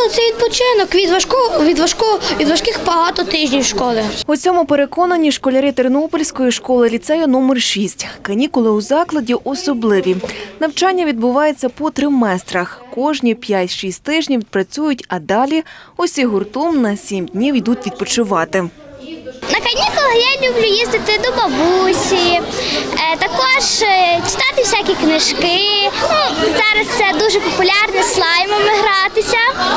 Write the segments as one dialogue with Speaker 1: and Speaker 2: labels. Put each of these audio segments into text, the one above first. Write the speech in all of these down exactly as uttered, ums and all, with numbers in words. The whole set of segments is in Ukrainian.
Speaker 1: це відпочинок від важкого, від важкого, від важких багато тижнів школи.
Speaker 2: У цьому переконані школярі Тернопільської школи-ліцею номер шість. Канікули у закладі особливі. Навчання відбувається по триместрах. Кожні п'ять-шість тижнів працюють, а далі усі гуртом на сім днів йдуть відпочивати.
Speaker 3: На канікулах я люблю їздити до бабусі, також читати всякі книжки. Ну, зараз це дуже популярно слаймами гратися.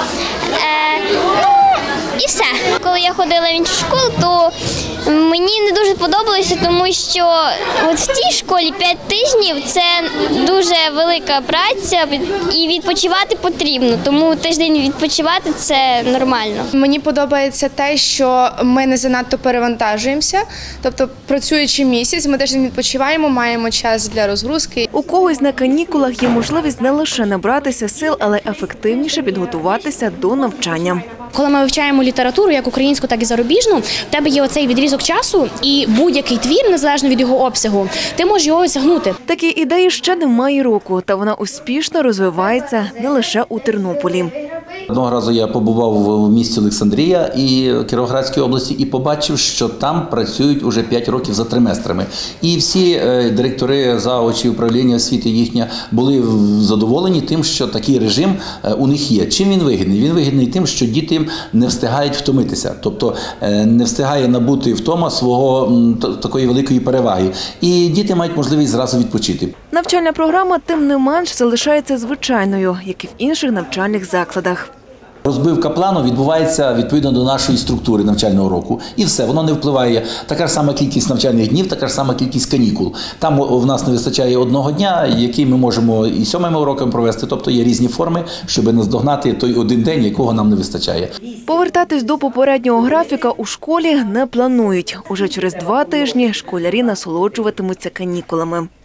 Speaker 3: Ну, і все. Коли я ходила в іншу школу, то мені не дуже подобалося, тому що от в тій школі п'ять тижнів – це дуже велика праця і відпочивати потрібно, тому тиждень відпочивати – це нормально.
Speaker 4: Мені подобається те, що ми не занадто перевантажуємося, тобто працюючи місяць, ми тиждень відпочиваємо, маємо час для розгрузки.
Speaker 2: У когось на канікулах є можливість не лише набратися сил, але ефективніше підготуватися до навчання.
Speaker 5: Коли ми вивчаємо літературу, як українську, так і зарубіжну, в тебе є оцей відрізок часу і будь-який твір, незалежно від його обсягу, ти можеш його осягнути.
Speaker 2: Такі ідеї ще немає року, та вона успішно розвивається не лише у Тернополі.
Speaker 6: Одного разу я побував в місті Олександрія і Кіровоградської області і побачив, що там працюють уже п'ять років за триместрами. І всі директори, заочі, управління освіти їхня були задоволені тим, що такий режим у них є. Чим він вигідний? Він вигідний тим, що діти не встигають втомитися, тобто не встигає набути втома свого такої великої переваги. І діти мають можливість зразу відпочити.
Speaker 2: Навчальна програма, тим не менш, залишається звичайною, як і в інших навчальних закладах.
Speaker 6: Розбивка плану відбувається відповідно до нашої структури навчального року. І все, воно не впливає. Така ж сама кількість навчальних днів, така ж сама кількість канікул. Там в нас не вистачає одного дня, який ми можемо і сьомими уроками провести. Тобто є різні форми, щоб наздогнати той один день, якого нам не вистачає.
Speaker 2: Повертатись до попереднього графіка у школі не планують. Уже через два тижні школярі насолоджуватимуться канікулами.